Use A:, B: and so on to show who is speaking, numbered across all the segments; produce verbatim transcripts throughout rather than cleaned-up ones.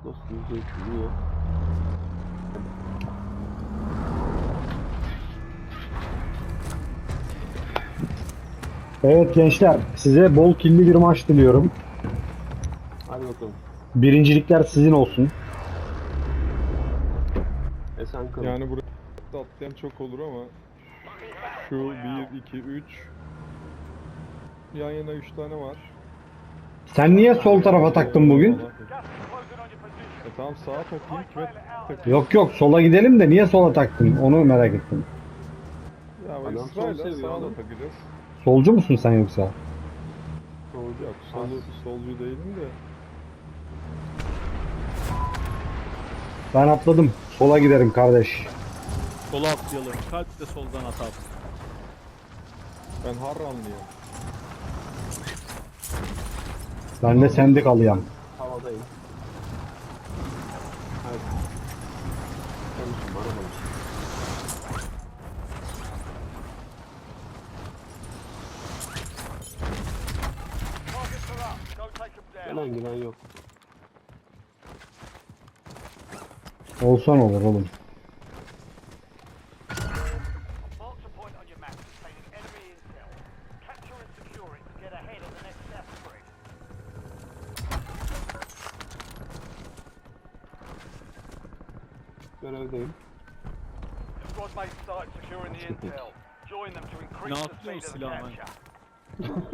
A: Dostum zeytini.
B: Evet gençler, size bol killi bir maç diliyorum.
A: Hadi bakalım.
B: Birincilikler sizin olsun.
A: Esen kalın.
C: Yani buraya atlayan çok olur ama şu bir, iki, üç yan yana üç tane var.
B: Sen niye sol tarafa taktın bugün?
C: E tamam sağa takayım kime takayım?
B: Yok yok, sola gidelim de niye sola taktın? Onu merak ettim.
C: Ya
A: Adam
C: bak
A: sol
C: sırayla
A: seviyor
C: sağa da
A: oğlum.
C: takacağız.
B: Solcu musun sen yoksa?
C: Solcu yok. Solu, solcu değilim de.
B: Ben atladım. Sola giderim kardeş.
D: Sola atlayalım. Kalp de soldan atar.
C: Ben Harranlıyım.
B: Ben de sendikalıyam.
A: Havadayım. Hadi. Konuşun bana konuşun. Gelen giden yok.
B: Olsan olur oğlum.
E: Mark the point on your map containing enemy intel. Capture and secure it to get ahead of the next death spread.
A: Görevdeyim.
E: Squad mates started securing the intel. Join them to increase
D: Ne
E: the speed
D: yapıyorsun
E: of the
D: silahla?
E: capture.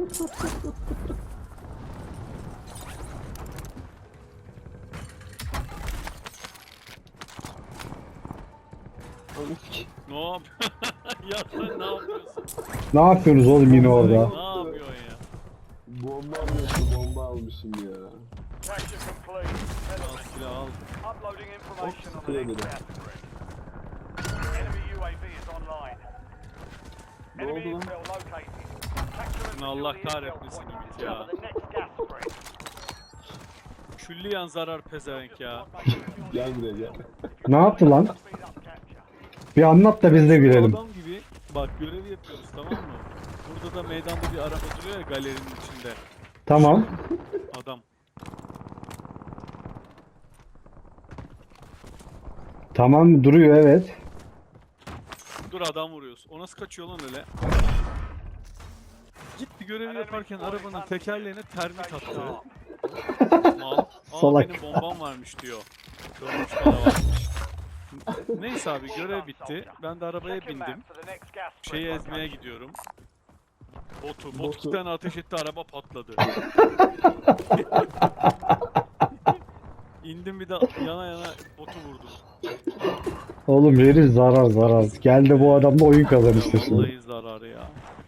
A: Onu sik.
D: Ne yap? Ya sen ne yapıyorsun?
B: Ne yapıyorsunuz oğlum yine orada?
D: Ne yapıyorsun ya?
A: Bomba almışım, bomba almışım ya.
E: Capture complete.
D: Al silah al.
E: Uploading information on the
A: sıkıyor
E: next
A: dedi.
E: death spread. Enemy U A V is online.
A: Ne
E: Enemy
A: oldu lan?
E: intel located. Capture and
D: Ne Allah
E: secure the intel
D: kahretmesin
E: point
D: Ümit
E: to
D: ya.
E: cover the next gas spread.
D: Külliyen zarar pezevenk ya.
A: Gel buraya gel.
B: Ne yaptı lan?
E: Speed up capture.
B: Bir anlat da biz de gülelim.
D: Adam gibi bak görev yapıyoruz tamam mı? Burada da meydanda bir araba duruyor ya galerinin içinde.
B: Tamam.
D: Adam.
B: Tamam duruyor evet.
D: Dur adam vuruyoruz. O nasıl kaçıyor lan öyle? Gitti görevi yaparken arabanın tekerleğine termit attı. Mal. Aa,
B: Salak.
D: benim bombam varmış diyor. Görmüş bana varmış. Neyse abi görev bitti. Ben de arabaya
E: Check your
D: bindim.
E: map for the next gas spread
D: Şeyi ezmeye
E: location.
D: gidiyorum. Botu. Bot
A: Botu.
D: iki tane ateş etti araba patladı. İndim bir de yana yana botu vurdum.
B: Oğlum herif zarar zarar. Geldi bu adamla oyun kazanıştı
D: Ya
B: şimdi.
D: vallahi zararı ya.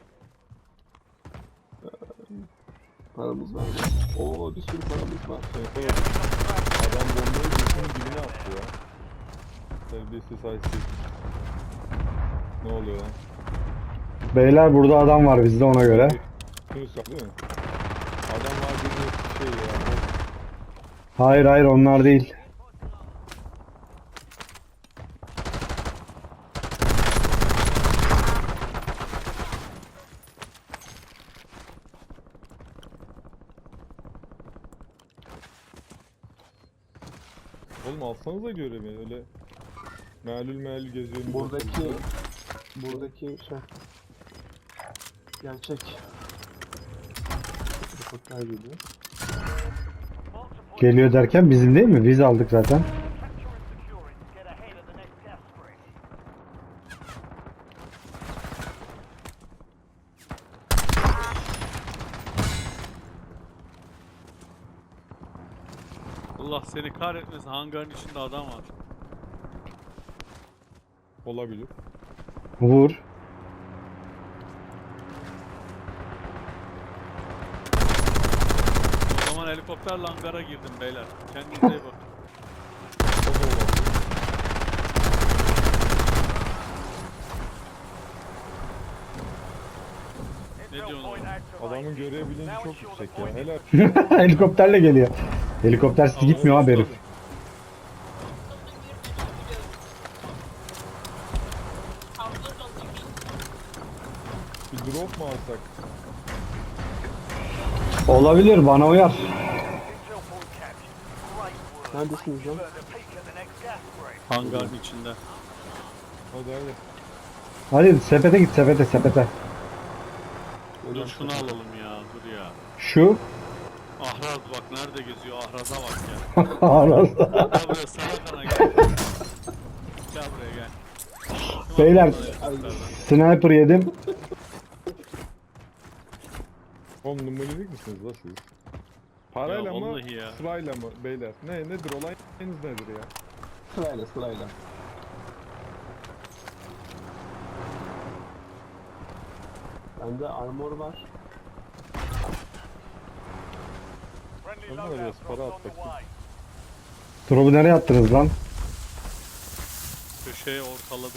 A: Paramız var. Oo bir sürü paramız var.
C: Evet, evet. Adam bombayı gözünün dibine attı ya. Terbiyesiz haysiz. Ne oluyor lan?
B: Beyler burada adam var bizde ona göre.
C: Yunus değil mi? Adam var bir şey ya.
B: Hayır hayır onlar değil.
C: Oğlum alsanıza görevi öyle. Meğlül meğlül geziyorum.
A: Buradaki buradaki şey gerçek. Helikopter geliyor.
E: Mark the point
B: Geliyor derken bizim değil mi? Biz aldık zaten.
E: Capture and secure it to get ahead of the next gas spread.
D: Allah seni kahretmesin hangarın içinde adam var.
C: Olabilir.
B: Vur.
D: O zaman helikopterle hangara girdim beyler. Kendinize iyi bakın.
C: O da olabilir.
D: Ne
E: Intel
D: diyorsun
E: point
D: oğlum?
E: activated.
C: Adamın görev bilinci
E: Now
C: çok
E: ensure
C: yüksek
E: the
C: ya.
E: point
C: Helal.
B: Helikopterle geliyor. Helikoptersiz
D: Ama
B: gitmiyor abi herif.
D: tabii.
C: Bir drop mu alsak?
B: Olabilir bana uyar.
E: Intel point captured. Great work.
A: Neredesiniz lan?
E: Further peek at the next gas spring.
D: Hangarın içinde.
C: Hadi hadi.
B: Hadi sepete git sepete sepete.
D: Dur şunu alalım ya. Dur ya.
B: Şu.
D: Ahraz bak nerede geziyor. Ahraz'a bak ya.
B: Aras.
D: Gel buraya sana kana gel. Gel buraya gel.
B: Beyler.
D: Ay.
B: Sniper yedim.
C: Oğlum numaralık misiniz la siz? Parayla
D: Ya
C: mı?
D: vallahi ya.
C: Sırayla mı beyler? Ne nedir olayınız nedir ya?
A: Sırayla sırayla. Bende armor var.
E: Friendly
C: Onlara
E: loadout
C: biraz para
E: drops
C: at
E: on the
C: bakayım.
E: way.
B: Drop'u nereye attınız lan?
D: Köşeye ortaladı.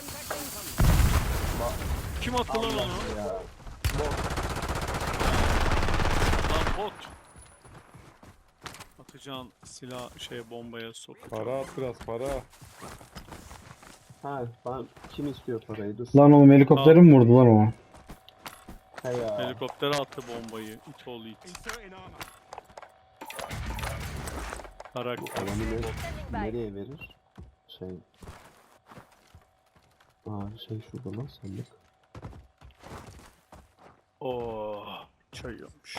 D: Kim attı lan onu?
A: Ya.
D: Lan bot. Atacağın silah şey bombaya sok.
C: Para at biraz para.
A: Ha ben kim istiyor parayı? Dur.
B: Lan oğlum helikopteri mi vurdu lan o?
A: He ya.
D: Helikoptere attı bombayı. İt oğlu it. Karak.
A: Adamı ne, nereye verir? Şey. Aa şey şurada lan sandık.
D: Oh, çay yapmış.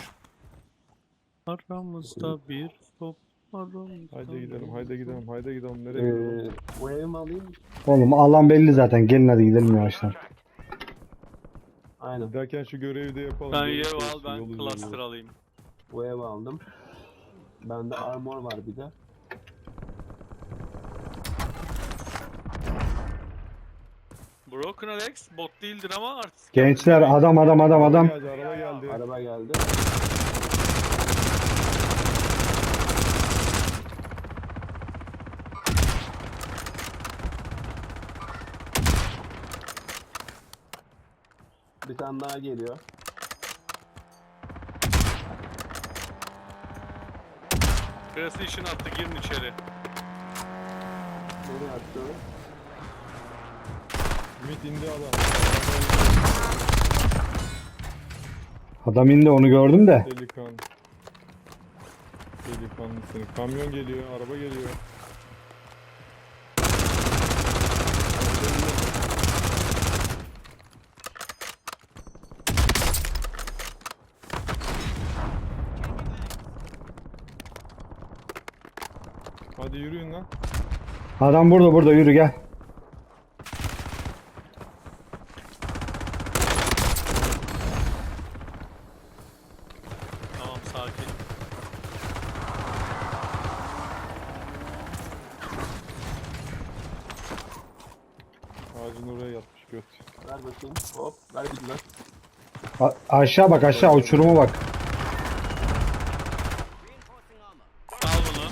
D: Aramızda bir top, aramızda
C: Haydi gidelim
D: bir
C: haydi gidelim haydi gidelim nereye
A: Ee,
C: gidelim?
A: bu evi mi alayım?
B: Oğlum alan belli zaten. Gelin hadi gidelim yavaştan.
A: Aynen.
C: Giderken şu görevi de yapalım.
D: Sen
C: Görüş
D: yev
C: olsun,
D: al ben
C: yol
D: cluster
C: üzerinde.
D: alayım.
A: Bu evi aldım. Bende armor var bir de.
D: Broken Alex bot değildir ama artık.
B: Gençler adam adam adam adam.
C: Geldi, araba geldi.
A: Araba geldi. Bir tane daha geliyor.
D: Precision attı girin içeri.
A: Nereye attı?
C: Ümit indi adam.
B: Adam indi onu gördüm de.
C: Delikan. Delikanlısın. Kamyon geliyor, araba geliyor. Hadi yürüyün lan.
B: Adam burada burada yürü gel.
D: Tamam sakin.
C: Ağacın oraya yatmış göt.
A: Ver bakayım. Hop. Ver bir lan.
B: A- aşağı bak aşağı uçuruma bak.
D: Al bunu.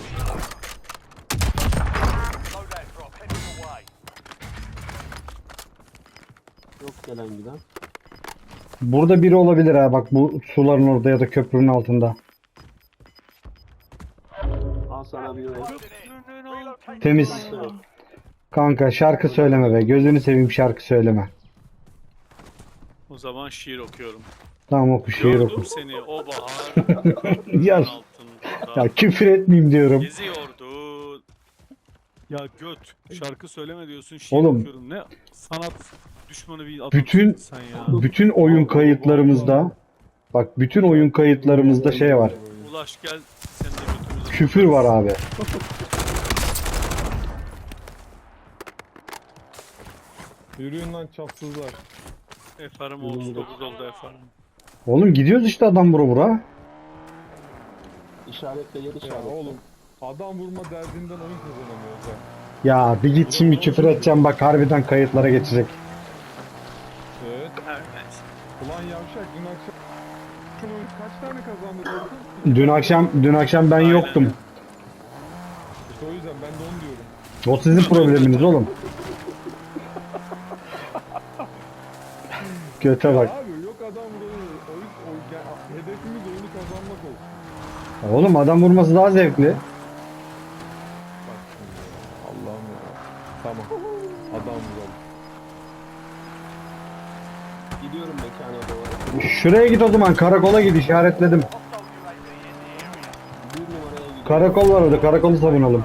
E: Loadout drop heading your way.
A: Yok gelen giden.
B: Burada biri olabilir ha bak bu suların orada ya da köprünün altında.
A: Al sana bir ev.
B: Temiz. Kanka şarkı söyleme be. Gözünü seveyim şarkı söyleme.
D: O zaman şiir okuyorum.
B: Tamam oku şiir
D: Gördüm
B: oku.
D: seni o bahar
B: Ya,
D: altında.
B: ya küfür etmeyeyim diyorum.
D: Geziyordu. Ya göt. Şarkı söyleme diyorsun şiir
B: Oğlum.
D: okuyorum. Ne sanat düşmanı bir adam
B: Bütün-
D: sen ya.
B: Bütün oyun kayıtlarımızda bak bütün oyun kayıtlarımızda şey var.
D: Ulaş gel sen de götümüzü.
B: Küfür var abi.
C: Yürüyün lan çapsızlar.
D: Efarım otuz dokuz oldu efarım.
B: Oğlum gidiyoruz işte adam bura bura.
A: İşaretle yer
C: Ya
A: işaretle.
C: oğlum adam vurma derdinden oyun kazanamıyoruz ha.
B: Ya bir git şimdi küfür edeceğim bak harbiden kayıtlara geçecek.
C: Evet.
D: Evet, neyse.
C: Ulan yavşak dün akşam şunu kaç tane kazandık oğlum?
B: Dün akşam dün akşam ben
D: Aynen.
B: yoktum.
C: İşte o yüzden ben de onu diyorum.
B: O sizin probleminiz oğlum. Göte bak.
C: Abi yok adam vuruyor. Oyun, oyun, ya, hedefimiz oyunu kazanmak olsun.
B: Oğlum adam vurması daha zevkli.
C: Bak şimdi. Allah'ım ya. Tamam. Adam vuralım.
A: Gidiyorum mekana doğru.
B: Şuraya git o zaman karakola git işaretledim.
E: Hostile U A V in the area.
A: Bir numaraya
B: Karakol var orada. Karakolu savunalım.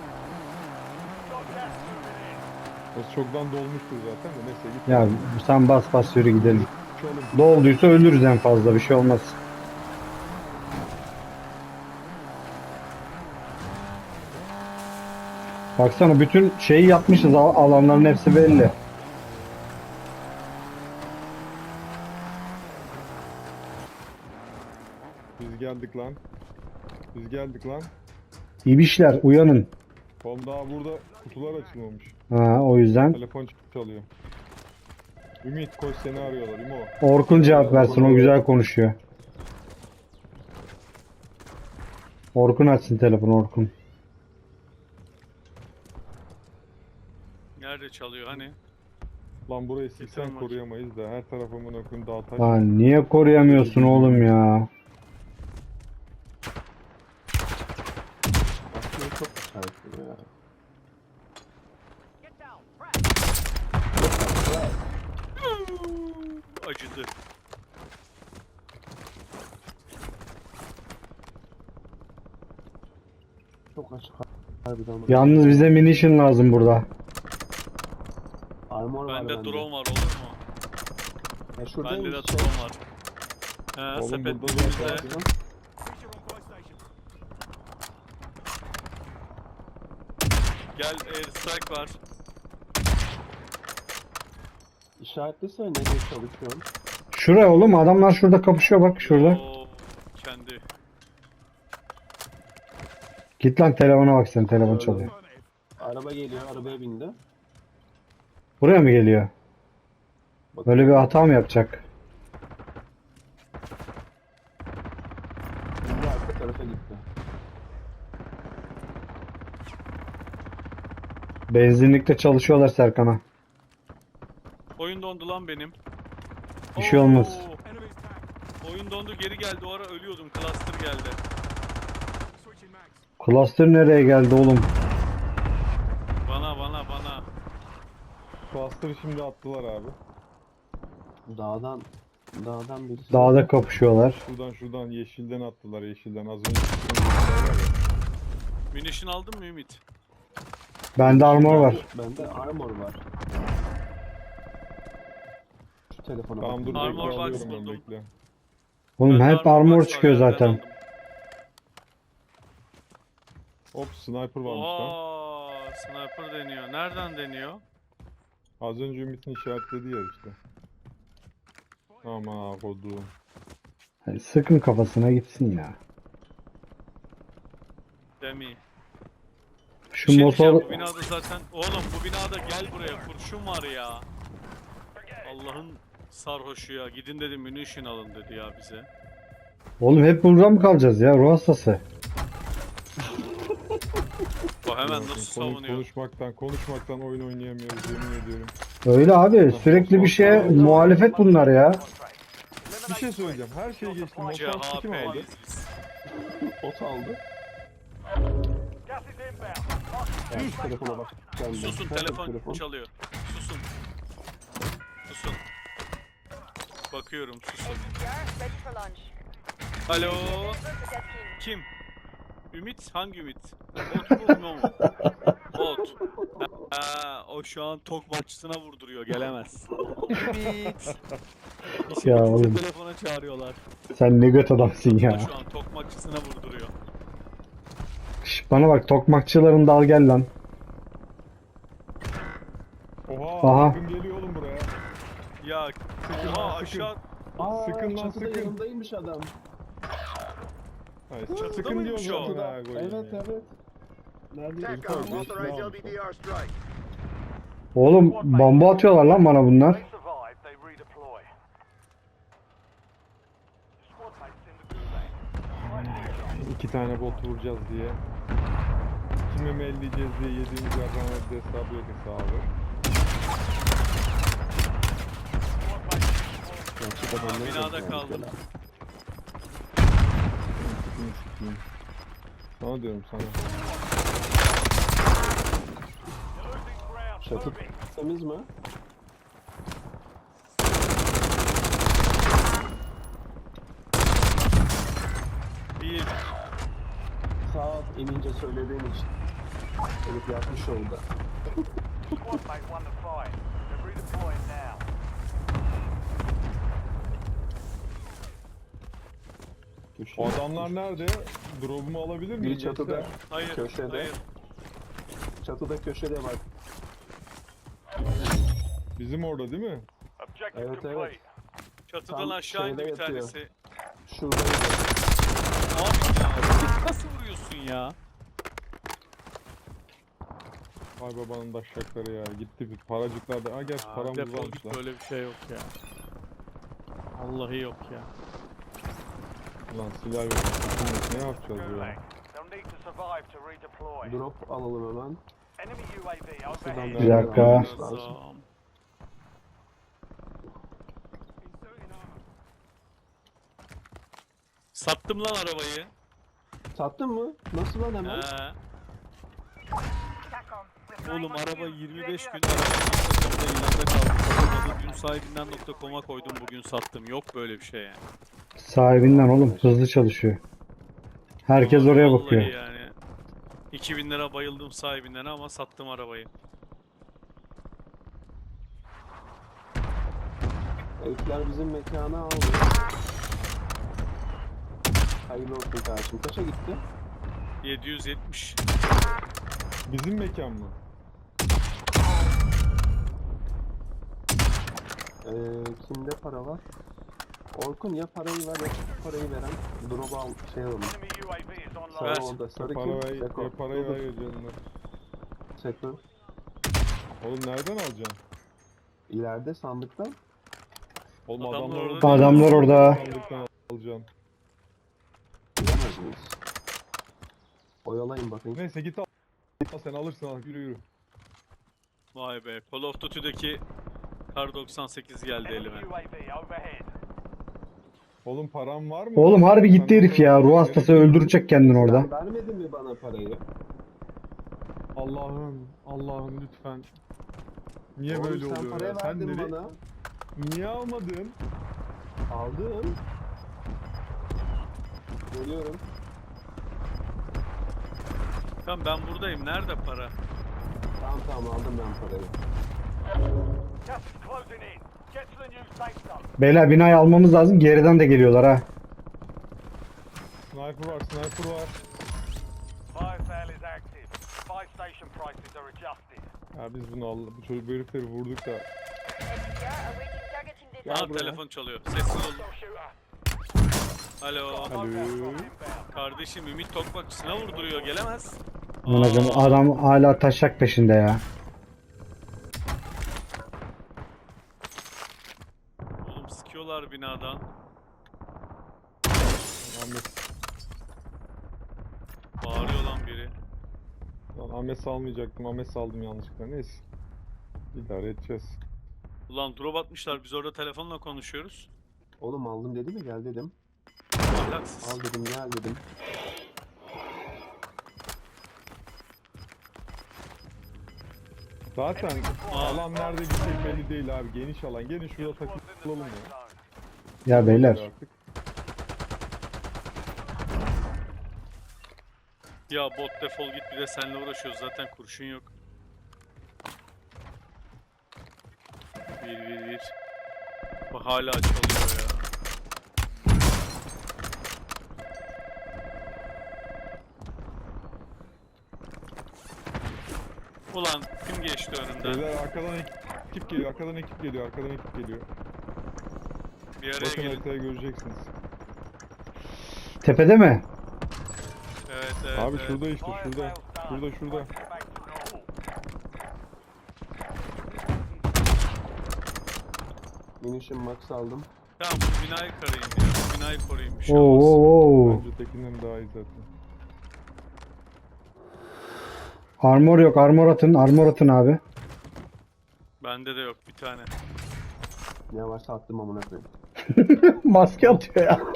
C: Orası çoktan dolmuştur zaten de neyse git.
B: Ya sen bas bas yürü gidelim.
C: Uçalım.
B: Dolduysa ölürüz en fazla. Bir şey olmaz. Baksana bütün şeyi yapmışız. al- Alanların hepsi belli.
C: Biz geldik lan. Biz geldik lan.
B: İbişler uyanın.
C: Oğlum daha burada kutular açılmamış.
B: Ha, o yüzden.
C: Telefon çalıyor. Ümit koş seni arıyorlar İmo.
B: Orkun cevap versin. O güzel konuşuyor. Orkun açsın telefonu Orkun.
D: Nerede çalıyor hani?
C: Lan burayı siksen
D: Yeter maç.
C: koruyamayız da her tarafımın okun dağ taş.
B: Lan niye koruyamıyorsun oğlum ya?
A: Aslında çok işaretli ya.
E: Get down. Press.
D: Acıdı.
A: Çok açık harbiden.
B: Yalnız bize munition lazım burada.
A: Armor var
D: Bende
A: bende.
D: drone var olur mu?
A: Ya
D: Bende
A: şuradaymış
D: de
A: şey.
D: drone var. He
C: Oğlum
D: sepet
C: burada
D: bizde.
C: zaten-
D: Gel airstrike var.
A: İşaretlesene nereye çalışıyorsun?
B: Şuraya oğlum adamlar şurada kapışıyor bak şurada.
D: Oo, kendi.
B: Git lan telefona bak sen telefon çalıyor.
A: Araba geliyor, arabaya bindi.
B: Buraya mı geliyor?
A: Bak,
B: Böyle bir hata mı yapacak?
A: Şimdi arka tarafa gitti.
B: Benzinlikte çalışıyorlar Serkan'a.
D: Oyun dondu lan benim.
B: Bir şey olmaz.
D: Oo, oyun dondu geri geldi. O ara ölüyordum. Cluster geldi.
B: Cluster nereye geldi oğlum?
D: Bana bana bana.
C: Cluster'ı şimdi attılar abi.
A: Dağdan, dağdan birisi.
B: Dağda kapışıyorlar.
C: Şuradan şuradan yeşilden attılar yeşilden az önce çıktığımız yerler var ya.
D: Munition aldın mı Ümit?
B: Bende armor var.
A: Bende armor var. Şu telefona
C: Tamam dur
A: bakayım.
C: bekle
D: Armor box
C: alıyorum ben
D: buldum.
C: bekle.
B: Oğlum
D: Bende
B: hep armor
D: box var,
B: çıkıyor
D: yerden
B: zaten.
D: aldım.
C: Hop sniper varmış lan.
D: Oha, sniper deniyor. Nereden deniyor?
C: Az önce Ümit'in işaretlediği yer işte. Ama kodum.
B: Hadi sıkın kafasına gitsin ya.
D: Demi.
B: Şu
D: Bir şey
B: motor
D: diyeceğim, bu binada zaten oğlum bu binada gel buraya kurşun var ya. Allah'ın sarhoşu ya. Gidin dedi munition alın dedi ya bize.
B: oğlum hep burada mı kalacağız ya ruh hastası?
D: Bak hemen nasıl
C: Konuş-
D: savunuyor.
C: Konuşmaktan konuşmaktan oyun oynayamıyoruz yemin ediyorum.
B: Öyle abi sürekli bir şeye muhalefet bunlar ya.
C: Bir şey söyleyeceğim. Her şeyi geçtim. Motor kim aldı?
D: C H P'liyiz biz.
A: Ot aldı.
E: Gas is inbound.
A: Ya şu telefona bak. Ben de.
D: Susun
A: Nerede
D: telefon,
A: telefon?
D: çalıyor. Susun. Susun. Bakıyorum susun.
F: Ready for lunch.
D: Alo.
F: Member to that team.
D: Kim? Ümit? Hangi Ümit? Bot mu? No mu? Bot. Ha, o şu an tok maççısına vurduruyor. Gelemez. Ümit.
B: Ya oğlum
D: Telefona çağırıyorlar.
B: sen ne göt adamsın
D: O
B: ya.
D: şu an tok maççısına vurduruyor.
B: Şş, bana bak tokmakçıların dal gel lan.
C: Oha,
B: Aha.
C: Akın geliyor oğlum buraya.
D: Ya oha aşağı
A: Aa,
C: Sıkın lan,
A: çatıda
C: sıkın.
A: yanındaymış adam.
C: Hayır,
D: Çatıda
C: sıkın
D: mıymış
C: diyorum
D: o?
C: zaten ha, koyayım
A: Evet
C: ya.
A: evet. Nerede?
C: TACOM, authorized L B D
E: R strike.
B: Oğlum bomba atıyorlar lan bana bunlar.
E: They survive, they redeploy. Squad mates in the gulag.
C: İki tane bot vuracağız diye. Kime mi elleyeceğiz diye yediğimiz yerden verdi hesabı yok hesabı.
A: Gerçek adamları
D: binada
A: bekliyorum
D: kaldım.
A: mesela.
C: Sikeyim sikeyim. Sana diyorum sana.
E: Losing ground.
A: Çatı
E: Moving.
A: temiz mi?
D: bir.
A: Sağ Sağ ol inince söylediğin için. Herif yapmış oldu.
E: Squad mate won the fight. They're redeploying now.
A: Köşe.
C: O adamlar nerede? Drop'umu alabilir miyim?
A: Biri çatıda.
C: gençler?
D: Hayır,
A: Köşede.
D: hayır.
A: Çatıda köşede bak.
C: Bizim orada değil mi?
E: Objective
A: Evet,
E: complete.
A: evet.
D: Çatıdan
A: Tam
D: aşağı indi
A: şeyde
D: bir
A: yatıyor.
D: tanesi.
A: Şuradaydı.
D: Abi ya, nasıl vuruyorsun ya?
C: Ay babanın daşşakları ya. Gitti bir paracıklar da. Ha gerçi
D: Aa,
C: paramız
D: defol
C: varmış
D: git,
C: lan.
D: böyle bir şey yok ya. Vallahi yok ya.
C: Lan silah yok. Ne yapacağız ya?
E: Gulag. They'll need to survive to redeploy.
A: Drop alalım hemen.
E: Enemy U A V
A: Şuradan
E: overhead.
B: Bir dakika.
A: almamız lazım.
D: Lazım. Sattım lan arabayı.
A: Sattın mı? Nasıl lan hemen?
D: He.
F: TACOM. We're flying
D: Oğlum
F: on
D: araba
F: you.
D: yirmi beş
F: U A V
D: gün arabanın ilanında kaldı. Satamadı. Dün sahibinden nokta com'a koydum, bugün sattım. Yok böyle bir şey yani.
B: Sahibinden oğlum hızlı çalışıyor. Herkes
D: Vallahi
B: oraya bakıyor.
D: yani. iki bin lira bayıldım sahibinden ama sattım arabayı.
A: Herifler bizim mekanı aldı. Hayırlı olsun kardeşim. Kaça gitti?
D: yedi yüz yetmiş.
C: Bizim mekan mı?
A: Ee, kimde para var? Orkun ya parayı ver ya parayı veren. Drop'u al şey alalım.
E: Enemy U A V is
A: Sarı
D: Ver.
E: online.
A: orada. Sarı
C: Para
A: kim?
C: ver,
A: Seko.
C: ya parayı
A: Dur,
C: ver
A: dur.
C: ya canına.
A: Seko.
C: Oğlum nereden alacaksın?
A: İleride sandıkta.
C: Oğlum
D: Adamlar
C: adamlar
D: orada
C: orada.
B: Adamlar orada.
C: Sandıktan alacaksın.
A: Bilemez miyiz? Oyalayın bakayım.
C: Neyse git al. Al sen alırsın al yürü yürü.
D: Vay be. Call of Duty'deki Kar doksan sekiz geldi elime.
E: Enemy U A V overhead.
C: Oğlum param var mı?
B: Oğlum harbi gitti
C: Sen
B: herif ya.
C: orada-
B: Ruh hastası öldürecek kendini orada.
A: Sen vermedin mi bana parayı?
C: Allah'ım, Allah'ım lütfen. Niye
A: Oğlum
C: böyle
A: sen
C: oluyor
A: parayı
C: ya? Sen
A: verdin
C: nereye-
A: bana.
C: Niye almadın?
A: Aldım. Geliyorum.
D: Tamam ben buradayım. Nerede para?
A: Tamam tamam aldım ben parayı.
E: Gas is closing in. Get to the new safe zone.
B: Beyler binayı almamız lazım. Geriden de geliyorlar ha.
C: Sniper var, sniper var.
E: Fire sale is active. Buy station prices are adjusted.
C: Ya biz bunu al, bu çocuk bu herifleri vurduk da.
F: Yeah, awaiting targeting data.
A: Gel
D: Aa
A: buraya.
D: telefon çalıyor. Sessiz olun.
E: Hostile shooter.
D: Alo.
C: Alo.
E: Loadout drop inbound.
D: Kardeşim Ümit Tokmakçısına vurduruyor. Gelemez.
B: Anacım
D: Aa,
B: adam hala taşak peşinde ya.
D: Oğlum sıkıyorlar binadan.
C: Ahmet,
D: Bağırıyor lan biri.
C: lan Ahmet salmayacaktım. Ahmet saldım yanlışlıkla. Neyse. İdare edeceğiz.
D: Ulan drop atmışlar. Biz orada telefonla konuşuyoruz.
A: Oğlum aldım dedi mi gel dedim.
D: Ahlaksız.
A: Al dedim gel dedim.
C: Zaten
D: Aa.
C: alan nerede gidecek belli değil abi. Geniş alan. Gelin şurada
E: Squad's in the
C: takılalım
E: safe
C: ya.
E: zone.
B: Ya beyler.
C: Artık.
D: Ya bot defol git, bir de seninle uğraşıyoruz. Zaten kurşun yok. Bir bir bir. Bak hala çalıyor ya. Ulan kim geçti önümden?
C: Beyler arkadan ekip geliyor. Arkadan ekip geliyor. Arkadan ekip geliyor.
D: Bir araya
C: Bakın
D: gelin.
C: haritayı göreceksiniz.
B: Tepede mi?
D: Evet evet.
C: Abi
D: evet.
C: şurada işte
E: Fire
C: şurada.
E: sales done.
C: Şurada şurada.
E: Get back to normal.
A: Munition max aldım.
D: Tamam bu binayı koruyayım ya. Bu binayı koruyayım, bir şey
B: Oo,
D: olmaz.
B: oo, oo.
C: Bence tekinden daha iyi zaten.
B: Armor yok. Armor atın. Armor atın abi.
D: Bende de yok bir tane.
A: Yavaş attım amına koyayım.
B: Maske atıyor ya.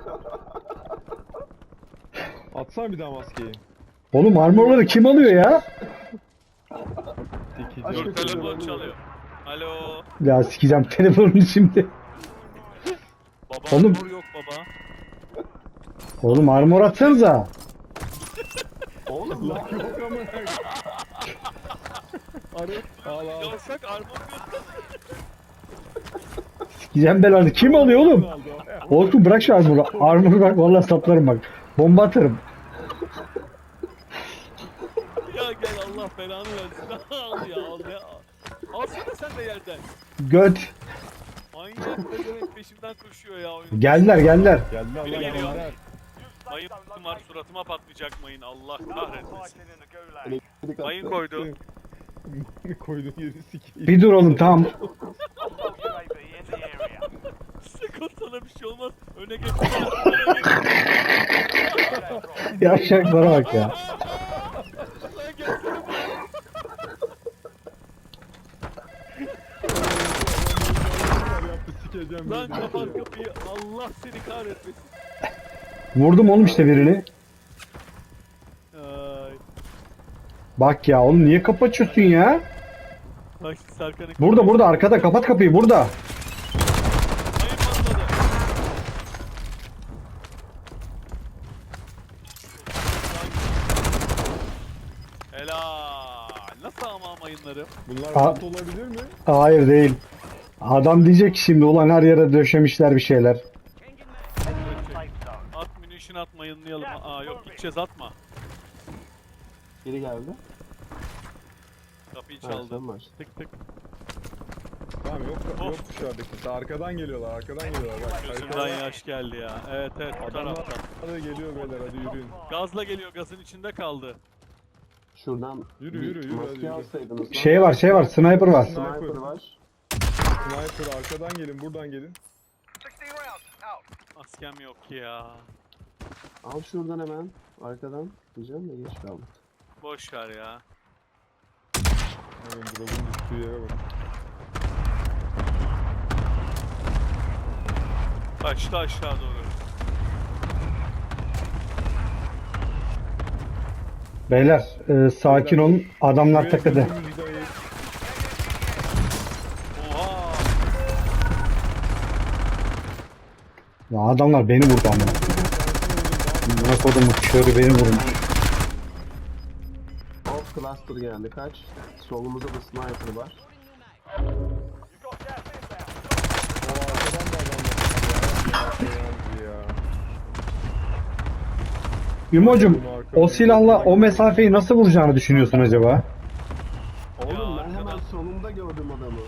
C: Atsana bir daha maskeyi.
B: Oğlum armorları kim alıyor ya?
C: Dikici.
A: Aşk
D: Dur
A: etsin,
D: telefon
A: öyle
D: çalıyor. Alo.
B: Ya sikeceğim telefonunu şimdi.
D: Baba
B: Oğlum.
D: armor yok baba.
B: Oğlum armor atsanıza.
A: Allah.
C: Yok ama. Arı. Al al.
D: Yavşak armor göster.
B: Sikeceğim belanı. Kim alıyor oğlum?
C: Aldı o.
B: Orkun bırak şu armoru. Armoru bak vallahi saplarım bak. Bomba atarım.
D: Ya gel Allah belanı versin. Al ya al ya. Alsana sen de yerden.
B: Göt.
D: Manyak pezevenk peşimden koşuyor ya oyun.
B: Geldiler geldiler.
C: Geldi
D: Biri
C: Allah
D: geliyor.
C: Allah.
D: Mayın var suratıma patlayacak mayın Allah kahretmesin.
E: Fighting in the gulag.
A: Elektrik
D: Mayın
A: attı.
D: koydu.
C: Koydum yeri sikeyim.
B: Bir dur oğlum tamam.
E: Hostile U A V in the area.
D: Sakın sana bir şey olmaz. Öne geç. Öne geç.
B: Yavşaklara bak ya.
D: Lan gelsene buraya.
C: Yaptı sikeceğim.
D: Lan
C: beni.
D: kapat kapıyı. Allah seni kahretmesin.
B: Vurdum oğlum işte birini.
D: Ay.
B: Bak ya oğlum niye kapatıyorsun ya?
D: Bak Serkan'ı.
B: Burada burada arkada kapat kapıyı burada.
D: Mayın patladı. Helal. Nasıl ama mayınları?
C: Bunlar
B: Aa.
C: bot olabilir mi?
B: Hayır değil. Adam diyecek ki şimdi ulan her yere döşemişler bir şeyler.
E: Safe zone.
D: At munition at mayınlayalım. Aa yok gideceğiz atma.
A: Biri geldi.
D: Kapıyı
A: Ha,
D: çaldı.
A: sen baş.
D: Tık tık.
C: Tamam yok
D: Of.
C: yok dışarıdaki. Arkadan geliyorlar arkadan geliyorlar. Bak,
D: Gözümden
C: arkadan-
D: yaş geldi ya. Evet evet bu
C: Adamlar
D: taraftan.
C: da geliyor beyler hadi yürüyün.
D: Gazla geliyor gazın içinde kaldı.
A: Şuradan
C: Yürü,
A: bir
C: yürü, yürü, hadi
A: maske
C: yürü.
A: alsaydınız. lan.
B: Şey var şey var sniper var.
A: Sniper var.
C: Sniper arkadan gelin buradan gelin.
E: sixteen rounds out.
D: Maskem yok ya.
A: Al şuradan hemen. Arkadan. Diyeceğim de geç kaldık.
D: Boş ver ya.
C: Hemen drop'un düştüğü yere bak.
D: Kaçtı aşağı doğru.
B: Beyler e, sakin olun adamlar
C: Şuraya
B: takıldı.
C: gözümüzü dayayıp-
D: Oha.
B: Ya adamlar beni vurdu ama. Ne kodumu körü beni vurmuş.
A: Off cluster geldi. Kaç. Solumuzda da sniper var.
E: You've got gas inbound.
C: O arkadan da adam var. Ya, ya.
B: Yumocum o silahla o mesafeyi nasıl vuracağını düşünüyorsun acaba?
A: Oğlum
D: Ya
A: ben hemen
D: arkadan-
A: sonunda gördüm adamı.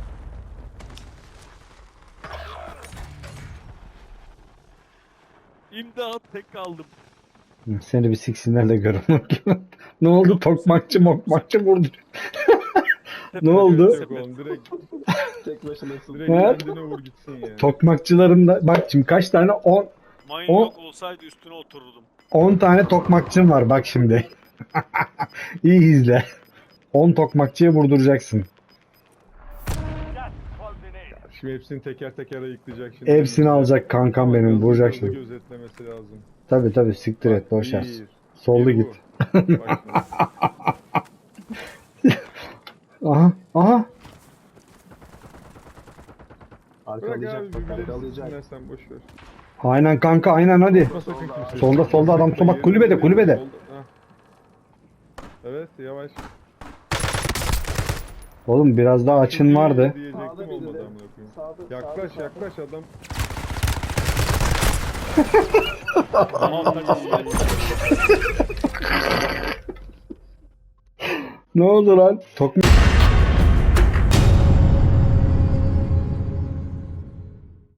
D: İmdat tek kaldım.
B: Seni bir siksinler de görün. Ne oldu tokmakçı mokmakçı vurdu. Ne oldu?
C: Yok oğlum direkt,
A: Tek başınasın.
C: direkt
B: Evet.
C: kendine vur gitsin ya.
B: Tokmakçıların da bak şimdi kaç tane on
D: Mayın
B: O-
D: yok olsaydı üstüne otururdum.
B: on tane tokmakçın var bak şimdi. İyi izle. on tokmakçıya vurduracaksın.
E: Gas closing in.
C: Şimdi hepsini teker teker ayıklayacak şimdi.
B: Hepsini alacak kankam benim
C: Hızlı
B: vuracak
C: hızlı
B: şimdi.
C: gözetlemesi lazım.
B: Tabi tabi siktir et boş ver.
C: Bir,
B: Solda
C: iki,
B: git.
C: bu. Bak şimdi.
B: Aha aha.
C: Bırak abi
A: Arkalayacak bak
C: birbirleri
A: arkalayacak.
C: siksinler sen boş ver.
B: Aynen kanka aynen hadi.
C: Yapma sakın kimse.
B: Solda, solda adam,
C: Solda,
B: bak, kulübede,
C: yerinde,
B: kulübede.
C: solda. Hah. Evet yavaş.
B: Oğlum biraz daha açın vardı.
C: Diyecektim
A: Sağda biri
C: olmadı
A: de.
C: amına koyayım.
A: Sağda,
C: Yaklaş
A: sağda,
C: yaklaş adam.
B: Ne oldu lan? Tokmak